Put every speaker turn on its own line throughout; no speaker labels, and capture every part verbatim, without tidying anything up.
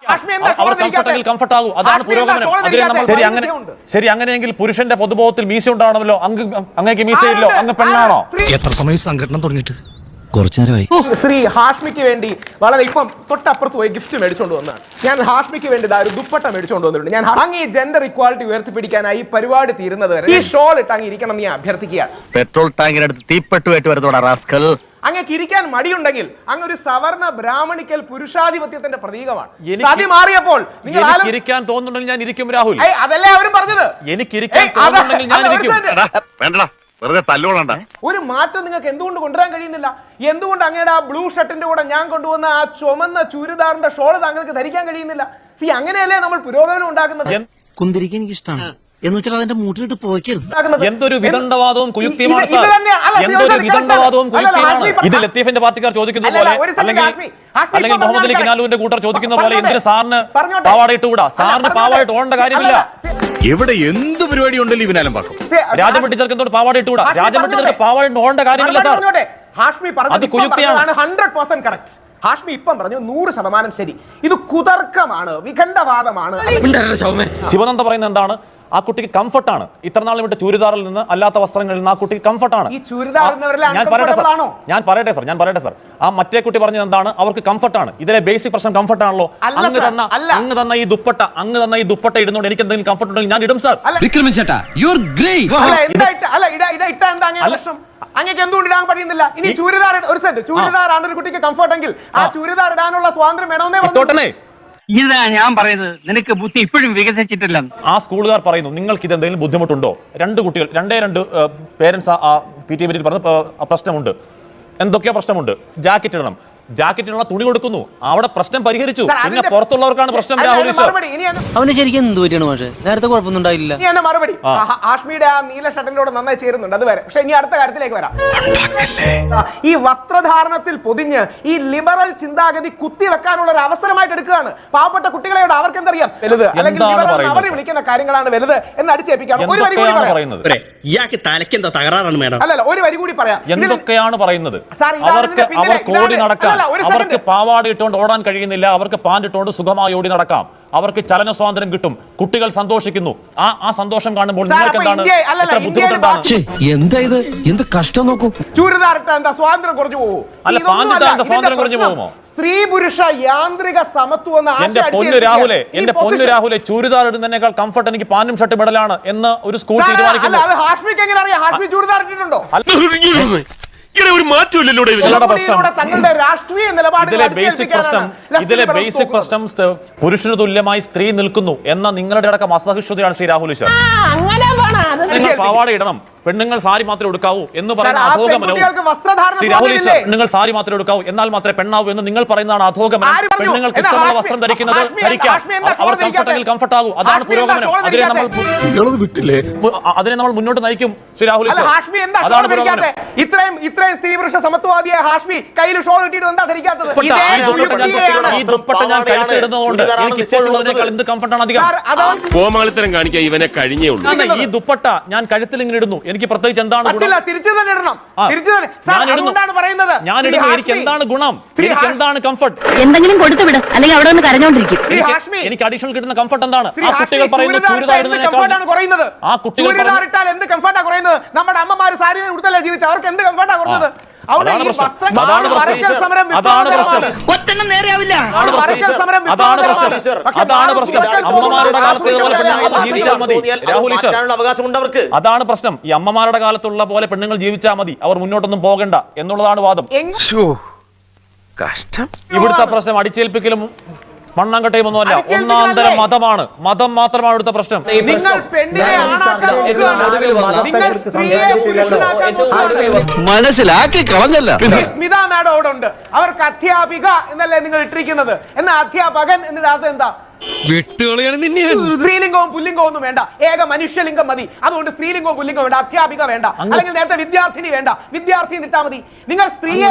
Comfort ആകും. അതാണ് പുരോഗമനം. അതിനെ നമ്മൾ ശരി അങ്ങനെ ശരി അങ്ങനെയെങ്കിൽ പുരുഷന്റെ പൊതുബോധത്തിൽ മീശ ഉണ്ടാവണമല്ലോ. അങ്ങ് അങ്ങേക്ക് മീശയില്ലോ, അങ്ങ് പെണ്ണാണോ?
എത്ര സമയം സംഘടന തുടങ്ങിയിട്ട്? കുറച്ചു നേരമായി.
ശ്രീ ഹാഷ്മിക്ക് വേണ്ടി വളരെ ഇപ്പം തൊട്ടപ്പുറത്ത് പോയി ഗിഫ്റ്റ് മേടിച്ചോണ്ട് വന്നതാണ്. ഞാൻ ഹാഷ്മിക്ക് വേണ്ടി ഒരു ദുപ്പട്ട മേടിച്ചോണ്ട് വന്നിട്ടുണ്ട്. ഞാൻ അങ്ങ് ഈ ജെൻഡർ ഇക്വാലിറ്റി ഉയർത്തിപ്പിടിക്കാനായി പരിപാടി തീരുന്നത് വരെ ഈ ഷോൾ ഇട്ട് അങ്ങ് ഇരിക്കണം എന്ന് ഞാൻ അഭ്യർത്ഥിക്കുകയാണ്.
പെട്രോൾ ടാങ്കിനടുത്ത് തീപ്പെട്ടുമായിട്ട് വരുന്നോടാ റാസ്കൽ.
അങ്ങക്ക് ഇരിക്കാൻ മടിയുണ്ടെങ്കിൽ അങ്ങ് ഒരു സവർണ ബ്രാഹ്മണിക്കൽ പുരുഷാധിപത്യത്തിന്റെ പ്രതീകമാണ്. സതി മാറിയപ്പോൾ നിങ്ങൾ
ഇരിക്കാൻ തോന്നുന്നുണ്ടെങ്കിൽ ഞാൻ ഇരിക്കും രാഹുൽ.
അതല്ലേ അവരും പറഞ്ഞത്.
എനിക്ക് ഇരിക്കാൻ തോന്നുന്നുണ്ടെങ്കിൽ ഞാൻ ഇരിക്കും.
വേണ്ടടാ, വെറുതെ തല്ലുകൊള്ളണ്ട.
ഒരു മാറ്റം നിങ്ങൾക്ക് എന്തുകൊണ്ട് കൊണ്ടുവരാൻ കഴിയുന്നില്ല? എന്തുകൊണ്ട് അങ്ങയുടെ ആ ബ്ലൂ ഷർട്ടിന്റെ കൂടെ ഞാൻ കൊണ്ടുവന്ന ആ ചുമന്ന ചുരിദാറിന്റെ ഷോള് താങ്കൾക്ക് ധരിക്കാൻ കഴിയുന്നില്ല? സി അങ്ങനെയല്ലേ നമ്മൾ പുരോഗമനം ഉണ്ടാക്കുന്നത്.
കുന്തിരിക്കാൻ എനിക്ക് ഇഷ്ടമാണ് എന്ന് വെച്ചാൽ അതിന്റെ മൂട്ടിലിട്ട് പോയിക്കരുത്.
എന്തൊരു വിദണ്ഡവാദവും കുയുക്തിയുമാണ് സാർ. എന്തൊരു വിദണ്ഡവാദവും കുയുക്തിയുമാണ്. ഇത് ലത്തീഫിന്റെ പാർട്ടിക്കാർ ചോദിക്കുന്ന പോലെ അല്ലെങ്കിൽ അല്ലെങ്കിൽ മുഹമ്മദ് അലി കിനാലുവിന്റെ കൂട്ടർ ചോദിക്കുന്ന പോലെ എന്തിന് സാറിന് പാവാടയിട്ട് കൂടാ? സാറിന് പാവായിട്ട് ഓടേണ്ട കാര്യമില്ല.
എവിടെ എന്ത് പരിപാടി ഉണ്ടല്ലോ ഇവനാലും പാക്കും.
രാജമട്ടി ചെറുക്കൻ തൊട്ട് പാവാടയിട്ട് കൂടാ. രാജമട്ടി ചെറുക്കൻ പാവായിട്ട് ഓടേണ്ട കാര്യമില്ല സാർ.
ഹാഷ്മി അത് കുയുക്തിയാണ്. Hundred percent correct. ഹാഷ്മി ഇപ്പം പറഞ്ഞു നൂറ് ശതമാനം ശരി. ഇത് കുതർക്കമാണ്, വിഖണ്ഡവാദമാണ്.
ശിവനന്ദ പറയുന്നത് എന്താണ്? ആ കുട്ടിക്ക് കംഫർട്ടാണ്. ഇത്രനാളും വിട്ട് ചൂരിദാറിൽ നിന്ന് അല്ലാത്ത വസ്ത്രങ്ങളിൽ നിന്ന് ആ കുട്ടിക്ക് കംഫർട്ടാണ്. ഞാൻ പറയട്ടെ സാർ ഞാൻ പറയട്ടെ സാർ ഞാൻ പറയട്ടെ സാർ ആ മറ്റേ കുട്ടി പറഞ്ഞത് എന്താണ്? അവർക്ക് കംഫർട്ടാണ്. ഇതിലെ ബേസിക് പ്രശ്നം കംഫർട്ടാണല്ലോ. അങ്ങ് തന്ന അങ്ങ് തന്ന ഈ ദുപ്പട്ട അങ്ങ് തന്ന ഈ ദുപ്പട്ട ഇടുന്നോണ്ട് എനിക്ക് എന്തെങ്കിലും കംഫർട്ട് ഉണ്ടെങ്കിൽ ഞാൻ ഇടും സാർ.
അങ്ങേക്ക് എന്തുകൊണ്ട് ഇടാൻ കഴിയുന്നില്ല? ഇനി ചൂരിദാർ ഒരു സെറ്റ് ചൂരിദാറാണ് ഒരു കുട്ടിക്ക് കംഫർട്ട് എങ്കിൽ ആ ചൂരിദാർ ഇടാനുള്ള സ്വാതന്ത്ര്യം വേണമെന്നേ പറഞ്ഞു.
ഇതാ ഞാൻ പറയുന്നത്, നിനക്ക് ബുദ്ധി ഇപ്പോഴും വികസിച്ചിട്ടില്ല.
ആ സ്കൂളുകാർ പറയുന്നു നിങ്ങൾക്ക് ഇത് എന്തെങ്കിലും ബുദ്ധിമുട്ടുണ്ടോ? രണ്ട് കുട്ടികൾ രണ്ടേ രണ്ട് പേരൻസ് ആ പി ടി എ മീറ്റിൽ പറഞ്ഞ പ്രശ്നമുണ്ട്. എന്തൊക്കെയാ പ്രശ്നമുണ്ട്? ജാക്കറ്റ് ഇടണം. ജാക്കറ്റിനുള്ള തുണി കൊടുക്കുന്നു. അവിടെ പ്രശ്നം പരിഹരിച്ചു. പിന്നെ പുറത്തുള്ളവർക്കാണ് പ്രശ്നം. രാഹുൽ
അവന് ശരിക്കും എന്ത് പറ്റിയാണ്? പക്ഷേ നേരത്തെ കുഴപ്പമൊന്നും ഉണ്ടായില്ല.
മറുപടി ഹാഷ്മിയുടെ ആ നീല ഷർട്ടിനോട് നന്നായി ചേരുന്നുണ്ട്. അത് വരെ. പക്ഷെ ഇനി അടുത്ത കാര്യത്തിലേക്ക് വരാം. ഈ വസ്ത്രധാരണത്തിൽ പൊതിഞ്ഞ് ഈ ലിബറൽ ചിന്താഗതി കുത്തിവെക്കാനുള്ള ഒരു അവസരമായിട്ട് എടുക്കുകയാണ്. പാവപ്പെട്ട കുട്ടികളെയോട് അവർക്ക് എന്തറിയാം വലുത്, അല്ലെങ്കിൽ അവർ വിളിക്കുന്ന കാര്യങ്ങളാണ് വലുത് എന്ന് അടിച്ചേൽപ്പിക്കാം. ഒരു വരി കൂടി പറയാം.
ഇയാൾക്ക് തലയ്ക്ക് എന്താ തകരാറാണ് മേഡം?
അല്ലല്ല ഒരു വരി കൂടി പറയാം.
എന്തൊക്കെയാണ് പറയുന്നത്? അവർക്ക് അവർക്ക് ഓടി നടക്കാം. അവർക്ക് പാവാട ഇട്ടുകൊണ്ട് ഓടാൻ കഴിയുന്നില്ല. അവർക്ക് പാൻറ് ഇട്ടുകൊണ്ട് സുഖമായി ഓടി നടക്കാം. അവർക്ക് ചലന സ്വാതന്ത്ര്യം കിട്ടും. കുട്ടികൾ സന്തോഷിക്കുന്നു. ആ ആ സന്തോഷം കാണുമ്പോൾ നിങ്ങൾക്ക് എന്താണ് ബുദ്ധിമുട്ടുണ്ടാണ്?
എന്താ ഇത്? എന്ത് കഷ്ടം നോക്കൂ.
ചൂരിദാറിട്ട എന്താ സ്വാതന്ത്ര്യം കുറഞ്ഞു പോകുമോ?
അല്ല പാൻറ് എന്താ സ്വാതന്ത്ര്യം കുറഞ്ഞു പോകുമോ?
സ്ത്രീ പുരുഷ യാന്ത്രിക സമത്വം എന്ന
എന്റെ പൊന്നു രാഹുലെ എന്റെ പൊന്നു രാഹുലെ ചൂരിദാർ ഇടുന്നതിനേക്കാൾ കംഫർട്ട് എനിക്ക് പാന്റും ഷർട്ടും ഇടലാണ് എന്ന് ഒരു സ്കൂൾ തീരുമാനിക്കുന്നു.
അത് ഹാഷ്മിക്ക് എങ്ങനെ അറിയാം? ഹാഷ്മി ചൂരിദാർ ഇട്ടിട്ടുണ്ടോ?
ഒരു മാറ്റമില്ലല്ലോ.
തങ്ങളുടെ രാഷ്ട്രീയ
ഇതിലെ ബേസിക് പ്രശ്നം ഇതിലെ ബേസിക് പ്രശ്നം പുരുഷന് തുല്യമായി സ്ത്രീ നിൽക്കുന്നു എന്ന നിങ്ങളുടെ അടക്കം അസഹിഷ്ണുതയാണ് ശ്രീ രാഹുൽ ഈശ്വർ. നിങ്ങൾ പാവാട ഇടണം, പെണ്ണുങ്ങൾ സാരി മാത്രമേ എടുക്കാവൂ എന്ന് പറയുന്ന അധോഗമനവും ശ്രീ രാഹുൽ ഈശ്വർ പെണ്ണുങ്ങൾ സാരി മാത്രമേ എടുക്കാവൂ എന്നാൽ മാത്രമേ പെണ്ണാവൂ എന്ന് നിങ്ങൾ പറയുന്നതാണ് അധോഗമനം. പെണ്ണുങ്ങൾക്ക് ഇഷ്ടമുള്ള വസ്ത്രം ധരിക്കുന്നത് ധരിക്കാം. അവർ കംഫർട്ടെങ്കിൽ കംഫർട്ട് ആകൂ. അതാണ് പുരോഗമനം. അതിനെ നമ്മൾ അതിനെ നമ്മൾ മുന്നോട്ട് നയിക്കും ശ്രീ രാഹുൽ ഈശ്വർ. അതാണ് പുരോഗമനം.
ഇത്രയും ഇത്രയും സ്ത്രീ പുരുഷ സമത്വവാദിയായ ഹാഷ്മി കയ്യിൽ ഷോൾ ഇട്ടിട്ട് എന്താ ധരിക്കാത്തത്?
ഈ ദുപ്പട്ട ഞാൻ കഴുത്തിടുന്നതുകൊണ്ട് എനിക്ക് ഇപ്പോഴുള്ളതിനേക്കാൾ എന്ത് കംഫർട്ടാണ് അധികം?
കോമാളിത്തരം കാണിക്കാൻ ഇവനെ കഴിഞ്ഞേ ഉള്ളൂ.
ഈ ദുപ്പട്ട ഞാൻ കഴുത്തിൽ ഇങ്ങനെ ഇടുന്നു. എനിക്ക് പ്രത്യേകിച്ച് എന്താണ് ഗുണം?
തിരിച്ചു തന്നെ ഇടണം.
ഞാൻ ഇടുന്നു. എനിക്ക് എന്താണ് ഗുണം? എനിക്ക് എന്താണ് കംഫർട്ട്?
എന്തെങ്കിലും കൊടുത്തു വിടും, അല്ലെങ്കിൽ അവിടെ നിന്ന് കരഞ്ഞോണ്ടിരിക്കും.
എനിക്ക് അഡീഷണൽ കിട്ടുന്ന കംഫർട്ട് എന്താണ്? ആ കുട്ടികൾ പറയുന്നത് ചൂരിദാർ ഇടുന്നതിനേക്കാൾ
കുറയുന്നത്.
ആ കുട്ടികൾ
ഇട്ടാൽ എന്ത് കംഫർട്ടാ കുറയുന്നത്? നമ്മുടെ അമ്മമാര് സാരി ഉടുത്തല്ലേ ജീവിച്ച അവർക്ക് എന്ത് കംഫർട്ടാ കുറഞ്ഞത്?
അതാണ് പ്രശ്നം. അതാണ് പ്രശ്നം. അതാണ് പ്രശ്നം. അമ്മമാരുടെ കാലത്ത് ഇതുപോലെ പെണ്ണുങ്ങൾ ജീവിച്ചാൽ മതി രാഹുൽ ഈശ്വർ. അതാണ് പ്രശ്നം. ഈ അമ്മമാരുടെ കാലത്തുള്ള പോലെ പെണ്ണുങ്ങൾ ജീവിച്ചാൽ മതി, അവർ മുന്നോട്ടൊന്നും പോകണ്ട എന്നുള്ളതാണ് വാദം.
കഷ്ടം.
ഇവിടുത്തെ പ്രശ്നം അടിച്ചേൽപ്പിക്കലും മണ്ണാങ്കട്ടയും ഒന്നുമല്ല, ഒന്നാന്തരം മതമാണ്. മതം മാത്രമാണ് ഇവിടുത്തെ പ്രശ്നം.
മനസ്സിലാക്കി കളഞ്ഞല്ല.
സ്മിത മാഡോടുണ്ട്. അവർക്ക് അധ്യാപിക എന്നല്ലേ നിങ്ങൾ ഇട്ടിരിക്കുന്നത്? എന്നാ അധ്യാപകൻ എന്നിടാത്ത എന്താ?
വിട്ടുകളിയാണ് നിന്നെ.
സ്ത്രീലിംഗവും പുല്ലിംഗവും ഒന്നും വേണ്ട, ഏക മനുഷ്യലിംഗം മതി. അതുകൊണ്ട് സ്ത്രീലിംഗവും പുല്ലിംഗവും വേണ്ട, അധ്യാപിക വേണ്ട, അല്ലെങ്കിൽ നേരത്തെ വിദ്യാർത്ഥിനി വേണ്ട, വിദ്യാർത്ഥി നിട്ടാ മതി. നിങ്ങൾ സ്ത്രീയെ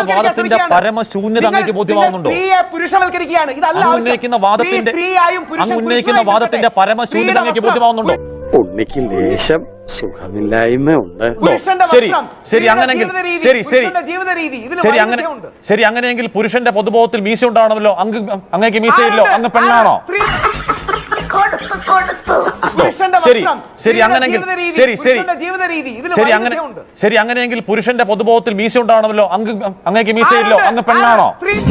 സ്ത്രീയെ പുരുഷവൽക്കരിക്കുകയാണ്. ഇതല്ല
വാദത്തിന്റെ പരമശൂന്യത ബോധ്യമാവുന്നുണ്ടോ?
ഉണ്ണിക്ക് ലേശം
സുഖമില്ലായ്മ ഉണ്ട്.
പുരുഷന്റെ
ശരി
വസ്ത്രം,
ശരി
സ്ത്രീയുടെ
അങ്ങനെയെങ്കിൽ
ജീവിത രീതി,
ശരി ശരി
പുരുഷന്റെ ജീവിത രീതി, ഇതിൽ
ശരി അങ്ങനെ
വൈരുദ്ധ്യമുണ്ട്.
ശരി അങ്ങനെയെങ്കിൽ പുരുഷന്റെ പൊതുബോധത്തിൽ മീശ ഉണ്ടാവണമല്ലോ. അങ്ങ് അങ്ങേക്ക് മീശയില്ലോ,
ആരുണ്ട്?
അങ്ങ് പെണ്ണാണോ?
സ്ത്രീ- പുരുഷന്റെ
ശരി
വസ്ത്രം,
ശരി
സ്ത്രീയുടെ
അങ്ങനെയെങ്കിൽ
ജീവിത രീതി,
ശരി ശരി
പുരുഷന്റെ ജീവിത രീതി, ഇതിൽ
ശരി അങ്ങനെ
വൈരുദ്ധ്യമുണ്ട്.
ശരി അങ്ങനെയെങ്കിൽ പുരുഷന്റെ പൊതുബോധത്തിൽ മീശ ഉണ്ടാവണമല്ലോ. അങ്ങ് അങ്ങേക്ക് മീശയില്ലോ,
ആരുണ്ട്?
അങ്ങ് പെണ്ണാണോ?
ആര്? സ്ത്രീ-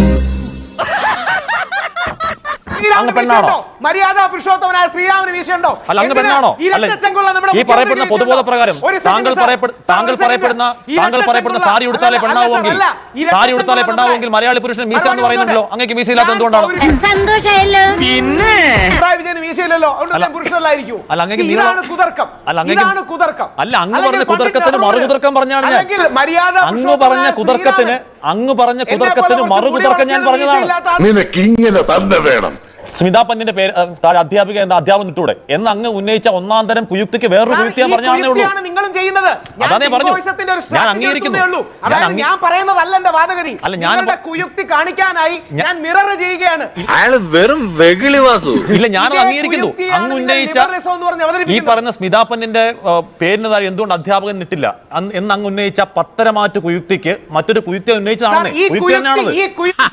ശ്രീരാമന്
പെണ്ണാണോ?
വീശുണ്ടോ? മര്യാദ പുരുഷോത്തമനായ ശ്രീരാമന് വീശുണ്ടോ?
അല്ല അങ്ങ്
എന്തിന്?
പെണ്ണാണോ?
ഈ
അല്ല
രക്തച്ചങ്കുള്ള നമ്മുടെ
ഈ
മുഖ്യമന്ത്രി
പറയപ്പെടുന്ന
വീശുണ്ടോ?
പൊതുബോധ പ്രകാരം
ഒരു second
താങ്കൾ
sir.
പറയപ്പെടു
Sir,
താങ്കൾ
ഒരു second.
പറയപ്പെടുന്ന
ഈ
താങ്കൾ പറയപ്പെടുന്ന
രക്തച്ചങ്കുള്ള-
സാരി ഉടുത്താലേ
അല്ല,
പെണ്ണാവുമെങ്കിൽ
അല്ല, ഈ
സാരി ഉടുത്താലേ
രക്തച്ചങ്കുള്ള
പെണ്ണാവുമെങ്കിൽ മലയാളി പുരുഷൻ മീശ എന്ന് പറയുന്നുണ്ടല്ലോ. അങ്ങേക്ക് മീശയില്ലാത്ത
ഞാൻ
എന്തുകൊണ്ടാണ്?
പൗര-
സന്തോഷായല്ലോ
പിണറായി വിജയന് വീശയില്ലല്ലോ, അതുകൊണ്ട്
അല്ല,
ഞാൻ പുരുഷനല്ലായിരിക്കും.
അല്ല, അങ്ങേക്ക്
ഇതാണ്
നീളം-
കുതർക്കം.
അല്ല, അങ്ങേക്ക്
ഇതാണ് കുതർക്കം.
അല്ല, അങ്ങ്
അല്ലെങ്കിൽ
പറഞ്ഞ
പണ്ഡിറ്റ്
കുതർക്കത്തിന്
നെഹ്റുവിന്
മറുകുതർക്കം പറഞ്ഞാണ് ഞാൻ.
അല്ലെങ്കിൽ മര്യാദ
അങ്ങ്
പുരുഷോത്തമനായ
പറഞ്ഞ കുതർക്കത്തിന്
ശ്രീരാമന്
അങ്ങ് പറഞ്ഞ
എന്നെ പോലെ
കുതർക്കത്തിന്
കുറച്ച്
മറുകുതർക്കം ഞാൻ
മുടി
പറഞ്ഞതാണ്.
വളർത്തിയ വീശയില്ലാത്ത ആൾ-
നിനക്ക് ഇങ്ങനെ തന്നെ വേണം.
സ്മിതാ പന്നിന്റെ പേര് അഹ്, താഴെ അധ്യാപിക എന്ന അധ്യാപനം ഇട്ടൂടെ എന്ന് അങ്ങ് ഉന്നയിച്ച ഒന്നാം തരം കുയുക്തിക്ക് വേറൊരു കുയുക്തി ഞാൻ
ഈ
പറഞ്ഞാണേ ഉള്ളൂ.
കുയുക്തിയാണ് നിങ്ങളും ചെയ്യുന്നത്. ഞാൻ
അതാ ഞാൻ പറഞ്ഞു.
ടിംബോയിസത്തിന്റെ ഒരു
ഞാൻ
strategy
അംഗീകരിക്കുന്നു.
എടുക്കുന്നേ ഉള്ളൂ.
ഞാൻ
അതായത്
അംഗീ-
ഞാൻ പറയുന്നതല്ല എന്റെ വാദഗതി.
അല്ല, ഞാൻ
നിങ്ങളുടെ കുയുക്തി കാണിക്കാനായി ഞാൻ മിറർ ചെയ്യുകയാണ്.
അയാള് വെറും വെകിളി വാസു.
ഇല്ല, ഞാനത്
ഇതേ
അംഗീകരിക്കുന്നു.
കുയുക്തിയാണ്
അങ്ങ്
നിങ്ങൾ
ഉന്നയിച്ച
liberalism എന്ന് പറഞ്ഞ്
ഈ
അവതരിപ്പിക്കുന്നത്.
പറയുന്ന സ്മിതാ പന്നിന്റെ അഹ്, പേരിന് താഴെ എന്തുകൊണ്ട് അധ്യാപകൻ ഇട്ടില്ല അന്ന് എന്ന് അങ്ങ് ഉന്നയിച്ച പത്തരമാറ്റ് കുയുക്തിക്ക് മറ്റൊരു കുയുക്തി ഉന്നയിച്ചതാണ്.
സാർ, ഈ
കുയുക്തി
കുയുക്തി
തന്നെയാണത്.
ഈ കുയുക്തി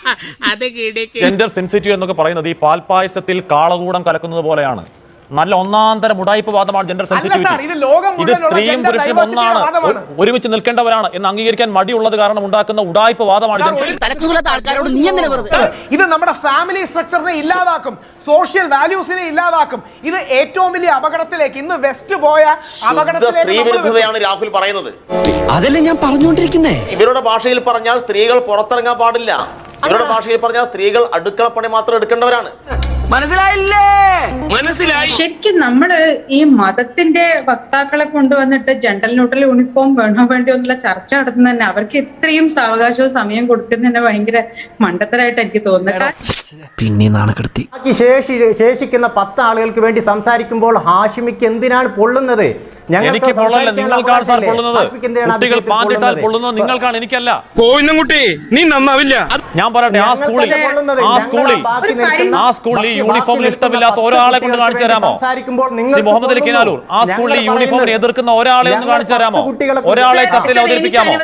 ജെൻഡർ സെൻസിറ്റീവ് എന്നൊക്കെ പറയുന്നത് ഈ പാൽപ്പായസത്തിൽ കാളകൂടം കലക്കുന്നത് പോലെയാണ്. നല്ല ഒന്നാം തരം ഉടായ്പ വാദമാണ് ജെൻഡർ
സാർ, ഇത്
സെൻസിറ്റിവിറ്റി.
ലോകം
ഇത്
മുഴുവനുള്ള
സ്ത്രീയും
gender
പുരുഷനും
diversity
ഒന്നാണ്,
വാദമാണ്.
ഒ- ഒരുമിച്ച് നിൽക്കേണ്ടവരാണ് എന്ന് അംഗീകരിക്കാൻ മടിയുള്ളത് കാരണം ഉണ്ടാക്കുന്ന ഉടായ്പ വാദമാണ്
സാർ,
ജെൻഡർ.
ഒരു-
തലക്കുകൂടാത്ത ആൾക്കാരോട് നീ എന്തിനാ വെറുതെ
ഇത് നമ്മുടെ ഫാമിലി സ്ട്രക്ചറിനെ ഇല്ലാതാക്കും, സോഷ്യൽ വാല്യൂസിനെ ഇല്ലാതാക്കും. ഇത് ഏറ്റവും വലിയ അപകടത്തിലേക്ക് ഇന്ന് വെസ്റ്റ് പോയ അപകടത്തിലേക്ക്
സ്ത്രീ
നമ്മൾ
വിരുദ്ധതയാണ് രാഹുൽ പറയുന്നത്.
അതല്ലേ ഞാൻ പറഞ്ഞുകൊണ്ടിരിക്കുന്നേ.
ഇവരുടെ ഭാഷയിൽ പറഞ്ഞാൽ സ്ത്രീകൾ പുറത്തിറങ്ങാൻ പാടില്ല. ഇവരുടെ ഭാഷയിൽ പറഞ്ഞാൽ സ്ത്രീകൾ അടുക്കളപ്പണി മാത്രം എടുക്കേണ്ടവരാണ്.
മനസ്സിലായില്ലേ? മനസ്സിലായി.
ശരിക്കും നമ്മള് ഈ മതത്തിന്റെ വക്താക്കളെ കൊണ്ടുവന്നിട്ട് ജെൻഡർ ന്യൂട്രൽ യൂണിഫോം വേണോ വേണ്ടോ എന്നുള്ള ചർച്ച നടത്തുന്ന തന്നെ അവർക്ക് ഇത്രയും സാവകാശവും സമയം കൊടുക്കുന്നതന്നെ ഭയങ്കര മണ്ടത്തരായിട്ട് എനിക്ക് തോന്നുന്നത്.
പിന്നെ നാണക്കെടുത്തി.
ബാക്കി ശേഷി ശേഷിക്കുന്ന പത്ത് ആളുകൾക്ക് വേണ്ടി സംസാരിക്കുമ്പോൾ ഹാഷിമിക്ക് എന്തിനാണ് പൊള്ളുന്നത്?
എനിക്ക് പൊള്ളല്ല, നിങ്ങൾക്കാണ് സാർ പൊള്ളുന്നത്. കുട്ടികൾ പാണ്ടിട്ടാൽ പൊള്ളുന്നത് നിങ്ങൾക്കാണ്, എനിക്കല്ല.
കുട്ടി നീ നന്നാവില്ല.
ഞാൻ പറയട്ടെ, ആ സ്കൂളിൽ ആ സ്കൂളിൽ ആ സ്കൂളിൽ യൂണിഫോമിൽ ഇഷ്ടമില്ലാത്ത ഒരാളെ കൊണ്ട് കാണിച്ചു തരാമോ? ശ്രീ മുഹമ്മദ് അലി കിനാലൂർ, ആ സ്കൂളിൽ യൂണിഫോമിനെ എതിർക്കുന്ന ഒരാളെ ഒന്ന് കാണിച്ചു തരാമോ? ഒരാളെ ചർച്ചയിൽ അവതരിപ്പിക്കാമോ?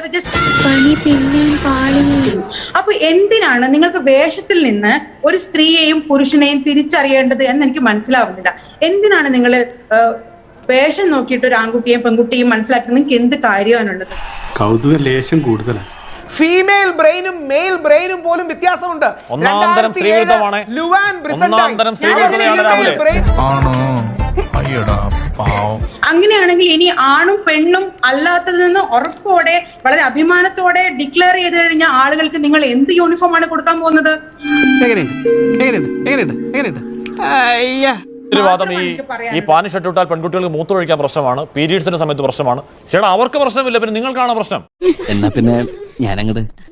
അപ്പൊ എന്തിനാണ് നിങ്ങൾക്ക് വേഷത്തിൽ നിന്ന് ഒരു സ്ത്രീയെയും പുരുഷനെയും തിരിച്ചറിയേണ്ടത് എന്ന് എനിക്ക് മനസ്സിലാവുന്നില്ല. എന്തിനാണ് നിങ്ങൾ വേഷം നോക്കിയിട്ട് ഒരു ആൺകുട്ടിയെയും പെൺകുട്ടിയെയും മനസ്സിലാക്കുന്നത്? നിങ്ങൾക്ക് എന്ത് കാര്യമാണുള്ളത്?
കൗതുക ലേശം കൂടുതലാണ്.
ഫീമെയിൽ ബ്രെയിനും മെയിൽ ബ്രെയിനും പോലും വ്യത്യാസമുണ്ട്.
ഒന്നാം തരം സ്ത്രീവിരുദ്ധമാണ്.
ലുവാൻ ബ്രിസന്റൈൻ
ഒന്നാം തരം സ്ത്രീവിരുദ്ധതയാണ് രാഹുലെ.
അങ്ങനെയാണെങ്കിൽ ഇനി ആണും പെണ്ണും അല്ലാത്തതിൽ നിന്ന് ഉറപ്പോടെ വളരെ അഭിമാനത്തോടെ ഡിക്ലെയർ ചെയ്ത് കഴിഞ്ഞാൽ ആളുകൾക്ക് നിങ്ങൾ എന്ത് യൂണിഫോം ആണ് കൊടുക്കാൻ പോകുന്നത്?
ഒരു വാദം ഈ ഈ പാനി ഷർട്ട് ഇട്ടാൽ പെൺകുട്ടികൾക്ക് മൂത്രമൊഴിക്കാൻ പ്രശ്നമാണ്, പീരീഡ്സിന്റെ സമയത്ത് പ്രശ്നമാണ്. ചേട്ടാ, അവർക്ക് പ്രശ്നമില്ല, പിന്നെ നിങ്ങൾക്കാണ് പ്രശ്നം.
എന്നാ പിന്നെ ഞാനങ്ങട്